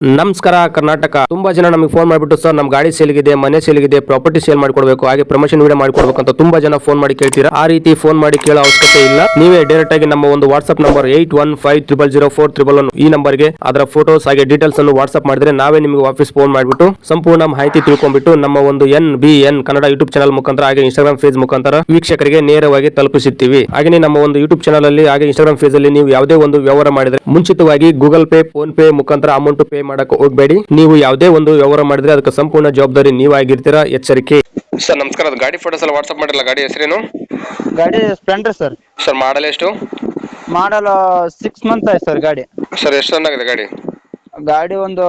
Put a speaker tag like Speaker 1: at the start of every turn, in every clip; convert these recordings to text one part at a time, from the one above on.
Speaker 1: ನಮಸ್ಕಾರ ಕರ್ನಾಟಕ. ತುಂಬಾ ಜನ ನಮಗೆ ಫೋನ್ ಮಾಡಿಬಿಟ್ಟು ಸರ್ ನಮ್ಮ ಗಾಡಿ ಸೇಲ್ಗಿದೆ, ಮನೆ ಸೇಲ್ಗಿದೆ, ಪ್ರಾಪರ್ಟಿ ಸೇಲ್ ಮಾಡಿಕೊಡ್ಬೇಕು, ಹಾಗೆ ಪ್ರಮೋಷನ್ ವಿಡಿಯೋ ಮಾಡಿಕೊಡ್ಬೇಕು ಅಂತ ತುಂಬಾ ಜನ ಫೋನ್ ಮಾಡಿ ಕೇಳ್ತೀರಾ. ಆ ರೀತಿ ಫೋನ್ ಮಾಡಿ ಕೇಳೋ ಅವಶ್ಯಕತೆ ಇಲ್ಲ. ನೀವೇ ಡೈರೆಕ್ಟ್ ಆಗಿ ನಮ್ಮ ಒಂದು ವಾಟ್ಸ್ಆಪ್ ನಂಬರ್ 81500411 ಈ ನಂಬರ್ಗೆ ಅದರ ಫೋಟೋಸ್ ಹಾಗೆ ಡೀಟೇಲ್ಸ್ ಅನ್ನು ವಾಟ್ಸ್ಆಪ್ ಮಾಡಿದ್ರೆ ನಾವೇ ನಿಮಗೆ ವಾಪಸ್ ಫೋನ್ ಮಾಡಿಬಿಟ್ಟು ಸಂಪೂರ್ಣ ಮಾಹಿತಿ ತಿಳ್ಕೊಂಡ್ಬಿಟ್ಟು ನಮ್ಮ ಒಂದು NBN ಕನ್ನಡ ಯೂಟ್ಯೂಬ್ ಚಾನಲ್ ಮುಖಾಂತರ ಹಾಗೆ ಇನ್ಸ್ಟಾಗ್ರಾಮ್ ಪೇಜ್ ಮುಖಾಂತರ ವೀಕ್ಷಕರಿಗೆ ನೇರವಾಗಿ ತಲುಪಿಸುತ್ತೀವಿ. ಹಾಗೆ ನಮ್ಮ ಒಂದು ಯೂಟ್ಯೂಬ್ ಚಾನಲ್ ಅಲ್ಲಿ ಹಾಗೆ ಇನ್ಸ್ಟಾಗ್ರಾಮ್ ಪೇಜ್ ಅಲ್ಲಿ ನೀವು ಯಾವುದೇ ಒಂದು ವ್ಯವಹಾರ ಮಾಡಿದ್ರೆ ಮುಂಚಿತವಾಗಿ ಗೂಗಲ್ ಪೇ, ಫೋನ್ ಪೇ ಮುಖಾಂತರ ಅಮೌಂಟ್ ಪೇ ಮಾಡಕ್ಕೆ ಹೋಗಬೇಡಿ. ನೀವು ಯಾವುದೇ ಒಂದು ವ್ಯವಹಾರ ಮಾಡಿದ್ರೆ ಅದಕ್ಕೆ ಸಂಪೂರ್ಣ ಜವಾಬ್ದಾರಿ ನೀವಾಗಿರ್ತೀರಾ, ಎಚ್ಚರಿಕೆ. ಸರ್ ನಮಸ್ಕಾರ, ಅದು ಗಾಡಿ ಫೋಟೋಸ್ ಎಲ್ಲ ವಾಟ್ಸ್ಆಪ್ ಮಾಡಿರಲ್ಲ, ಗಾಡಿ ಹೆಸರೇನು?
Speaker 2: ಗಾಡಿ ಸ್ಪ್ಲೆಂಡರ್ ಸರ್.
Speaker 1: ಸರ್ ಮಾಡಲ್ ಎಷ್ಟು?
Speaker 2: ಮಾಡಲ್ 6 ಮಂತ್ ಆಯ್ತು ಸರ್ ಗಾಡಿ.
Speaker 1: ಸರ್ ಎಷ್ಟು ರನ್ ಆಗಿದೆ ಗಾಡಿ?
Speaker 2: ಗಾಡಿ ಒಂದು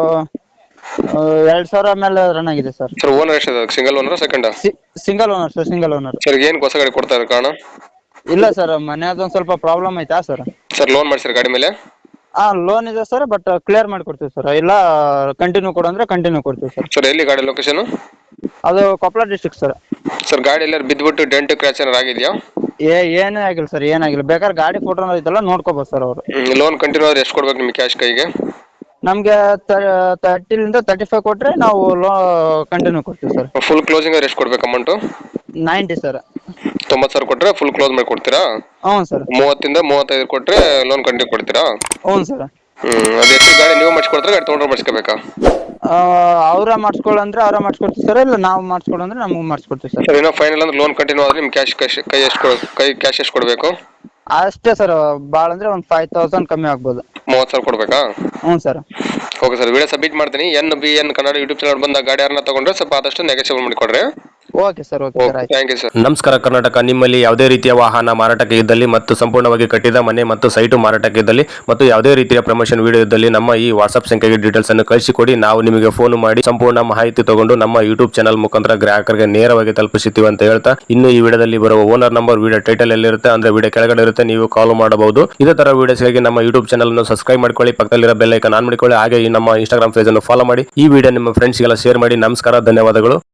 Speaker 2: 2000 ಮೇಲೆ ರನ್ ಆಗಿದೆ ಸರ್.
Speaker 1: ಸರ್ ಓನರ್ ಎಷ್ಟು? Single owner second?
Speaker 2: Single owner sir, single owner.
Speaker 1: Sir ಏನು ಹೊಸ ಗಾಡಿ ಕೊಡ್ತಾ ಇರೋ ಕಾರಣ?
Speaker 2: ಇಲ್ಲ ಸರ್, ಮನೆಯದೊಂದು ಸ್ವಲ್ಪ ಪ್ರಾಬ್ಲಮ್ ಐತಾ ಸರ್.
Speaker 1: ಸರ್ ಲೋನ್ ಮಾಡಿಸಿರ ಗಾಡಿ ಮೇಲೆ?
Speaker 2: ಲೋನ್ ಇದೆ ಸರ್, ಬಟ್ ಕ್ಲಿಯರ್ ಮಾಡ್ಕೊಡ್ತೀವಿ ಸರ್. ಇಲ್ಲ ಕಂಟಿನ್ಯೂ ಕೊಡು ಅಂದ್ರೆ ಕಂಟಿನ್ಯೂ ಕೊಡ್ತೀವಿ ಸರ್.
Speaker 1: ಸರ್ ಎಲ್ಲಿ ಗಾಡಿ ಲೊಕೇಶನ್?
Speaker 2: ಅದು ಕೊಪ್ಪಳ ಡಿಸ್ಟ್ರಿಕ್ಟ್ ಸರ್.
Speaker 1: ಸರ್ ಗಾಡಿ ಎಲ್ಲರೂ ಬಿದ್ದುಬಿಟ್ಟು ಡೆಂಟ್ ಕ್ರ್ಯಾಚ್ ಏನಾರು ಆಗಿದೆಯಾ?
Speaker 2: ಏನೂ ಆಗಿಲ್ಲ ಸರ್, ಏನಾಗಿಲ್ಲ. ಬೇಕಾದ್ರೆ ಗಾಡಿ ಫೋಟೋ ಐತಲ್ಲ ನೋಡ್ಕೋಬೋದು ಸರ್ ಅವರು.
Speaker 1: ಲೋನ್ ಕಂಟಿನ್ಯೂ ಆದ್ರೆ ಎಷ್ಟು ಕೊಡ್ಬೇಕು ನಿಮ್ಗೆ ಕ್ಯಾಶ್ ಕೈಗೆ?
Speaker 2: ನಮಗೆ 30 to 35 ಕೊಟ್ರೆ ನಾವು ಕಂಟಿನ್ಯೂ ಕೊಡ್ತೀವಿ ಸರ್.
Speaker 1: ಫುಲ್ ಕ್ಲೋಸಿಂಗ್ ಆದ್ರೆ ಎಷ್ಟು ಕೊಡ್ಬೇಕು ಅಮೌಂಟ್?
Speaker 2: 90 ಸರ್.
Speaker 1: 90,000 ಕೊಟ್ರೆ ಫುಲ್ ಕ್ಲೋಸ್ ಮಾಡಿ ಕೊಡ್ತೀರಾ?
Speaker 2: ಹ್ಞೂ ಸರ್.
Speaker 1: 30 ಇಂದ 35 ಕೊಟ್ರೆ ಲೋನ್ ಕಂಟಿನ್ಯೂ ಕೊಡ್ತೀರಾ?
Speaker 2: ಹ್ಞೂ ಸರ್.
Speaker 1: ಅದು ಎಷ್ಟು ಗಾಡಿ ನೀವು ಮಾಡಿಸ್ಕೊಡ್ತಾರೆ, ಗಾಡಿ ತೊಗೊಂಡ್ರೆ ಮಾಡಿಸ್ಕೋಬೇಕಾ?
Speaker 2: ಅವ್ರ ಮಾಡಿಸ್ಕೊಳ್ಳಂದ್ರೆ ಅವ್ರ ಮಾಡಿಸ್ಕೊಡ್ತೀವಿ ಸರ್, ಇಲ್ಲ ನಾವು ಮಾಡಿಸ್ಕೊಡಂದ್ರೆ ನಮಗೂ ಮಾಡಿಸ್ಕೊಡ್ತೀವಿ ಸರ್.
Speaker 1: ಸರ್ ಇನ್ನೂ ಫೈನಲ್ ಅಂದ್ರೆ ಲೋನ್ ಕಂಟಿನ್ಯೂ ಆದ್ರೆ ನಿಮ್ಗೆ ಕ್ಯಾಶ್ ಎಷ್ಟು ಕೊಡಬೇಕು?
Speaker 2: ಅಷ್ಟೇ ಸರ್, ಭಾಳ ಅಂದ್ರೆ ಒಂದು 5000 ಕಮ್ಮಿ ಆಗ್ಬೋದು.
Speaker 1: 30,000 ಕೊಡ್ಬೇಕಾ?
Speaker 2: ಹ್ಞೂ sir.
Speaker 1: Okay sir, video submit ಮಾಡ್ತೀನಿ. NBN ಕನ್ನಡ ಯೂಟ್ಯೂಬ್ ಚಾನಲ್ ಬಂದ ಗಾಡಿ ಯಾರನ್ನ ತಗೊಂಡ್ರೆ ಸ್ವಲ್ಪ ಆದಷ್ಟು ನೆಗೋಷಿಯೇಟ್ ಮಾಡಿಕೊಡ್ರಿ.
Speaker 2: ಓಕೆ ಸರ್, ಓಕೆ ಸರ್, ಆಯ್ತು.
Speaker 1: Thank you sir. ನಮಸ್ಕಾರ ಕರ್ನಾಟಕ. ನಿಮ್ಮಲ್ಲಿ ಯಾವುದೇ ರೀತಿಯ ವಾಹನ ಮಾರಾಟಕ್ಕೆ ಇದ್ದಲ್ಲಿ ಮತ್ತು ಸಂಪೂರ್ಣವಾಗಿ ಕಟ್ಟಿದ ಮನೆ ಮತ್ತು ಸೈಟು ಮಾರಾಟಕ್ಕೆ ಇದ್ದಲ್ಲಿ ಮತ್ತು ಯಾವುದೇ ರೀತಿಯ ಪ್ರಮೋಷನ್ ವಿಡಿಯೋ ಇದ್ದಲ್ಲಿ ನಮ್ಮ ಈ ವಾಟ್ಸ್ಆಪ್ ಸಂಖ್ಯೆಗೆ ಡೀಟೇಲ್ಸ್ ಅನ್ನು ಕಳಿಸಿಕೊಡಿ. ನಾವು ನಿಮಗೆ ಫೋನ್ ಮಾಡಿ ಸಂಪೂರ್ಣ ಮಾಹಿತಿ ತಗೊಂಡು ನಮ್ಮ ಯೂಟ್ಯೂಬ್ ಚಾನಲ್ ಮುಖಾಂತರ ಗ್ರಾಹಕರಿಗೆ ನೇರವಾಗಿ ತಲುಪಿಸುತ್ತೀವಿ ಅಂತ ಹೇಳ್ತಾ, ಇನ್ನು ಈ ವಿಡಿಯೋದಲ್ಲಿ ಬರುವ ಓನರ್ ನಂಬರ್ ವಿಡಿಯೋ ಟೈಟಲ್ ಎಲ್ಲಿರುತ್ತೆ ಅಂದ್ರೆ ವಿಡಿಯೋ ಕೆಳಗಡೆ ಇರುತ್ತೆ, ನೀವು ಕಾಲ್ ಮಾಡಬಹುದು. ಇದೇ ತರ ವಿಡಿಯೋಸ್ಗಾಗಿ ನಮ್ಮ ಯೂಟ್ಯೂಬ್ ಚಾನಲ್ ಅನ್ನು ಸಬ್ಸ್ಕ್ರೈಬ್ ಮಾಡ್ಕೊಳ್ಳಿ, ಪಕ್ಕದಲ್ಲಿರೋ ಬೆಲ್ ಐಕಾನ್ ಆನ್ ಮಾಡಿಕೊಳ್ಳಿ, ಹಾಗೆ ಈ ನಮ್ಮ ಇನ್ಸ್ಟಾಗ್ರಾಮ್ ಪೇಜ್ ಅನ್ನು ಫಾಲೋ ಮಾಡಿ. ಈ ವಿಡಿಯೋ ನಿಮ್ಮ ಫ್ರೆಂಡ್ಸ್ಗೆಲ್ಲ ಶೇರ್ ಮಾಡಿ. ನಮಸ್ಕಾರ, ಧನ್ಯವಾದಗಳು.